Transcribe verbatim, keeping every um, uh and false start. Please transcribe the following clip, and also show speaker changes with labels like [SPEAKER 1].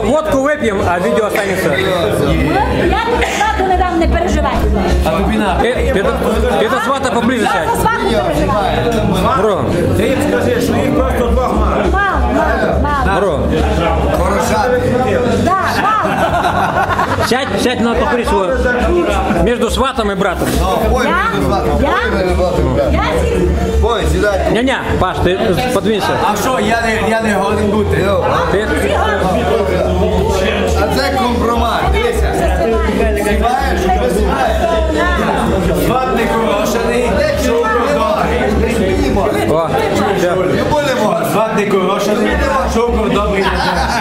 [SPEAKER 1] водку вип'ємо, а відео останеться.
[SPEAKER 2] Я тобі свату не дам, не переживай.
[SPEAKER 1] А тобі на. Ти до свата поближе
[SPEAKER 2] Я
[SPEAKER 1] сядь.
[SPEAKER 2] за свату не переживаю.
[SPEAKER 1] Бро.
[SPEAKER 3] Ти їм скажи, що їх просто двох мало.
[SPEAKER 2] Мало, мало, мало.
[SPEAKER 1] Бро.
[SPEAKER 2] Да, мало.
[SPEAKER 1] Сядь, сядь на покорі свого. Між сватом і братом.
[SPEAKER 2] Я? Я? Я сів.
[SPEAKER 4] Ой, сідай.
[SPEAKER 1] Ня-ня, Паш, ти подвинься.
[SPEAKER 3] А що, я не, я не годен бути?
[SPEAKER 1] Ти?
[SPEAKER 4] А це компромат, дивися. Співаєш, що співаєш?
[SPEAKER 3] Сват не корошений, шовкор добрий.
[SPEAKER 1] О, все.
[SPEAKER 4] Не будемо.
[SPEAKER 3] Сват не корошений, шовкор добрий.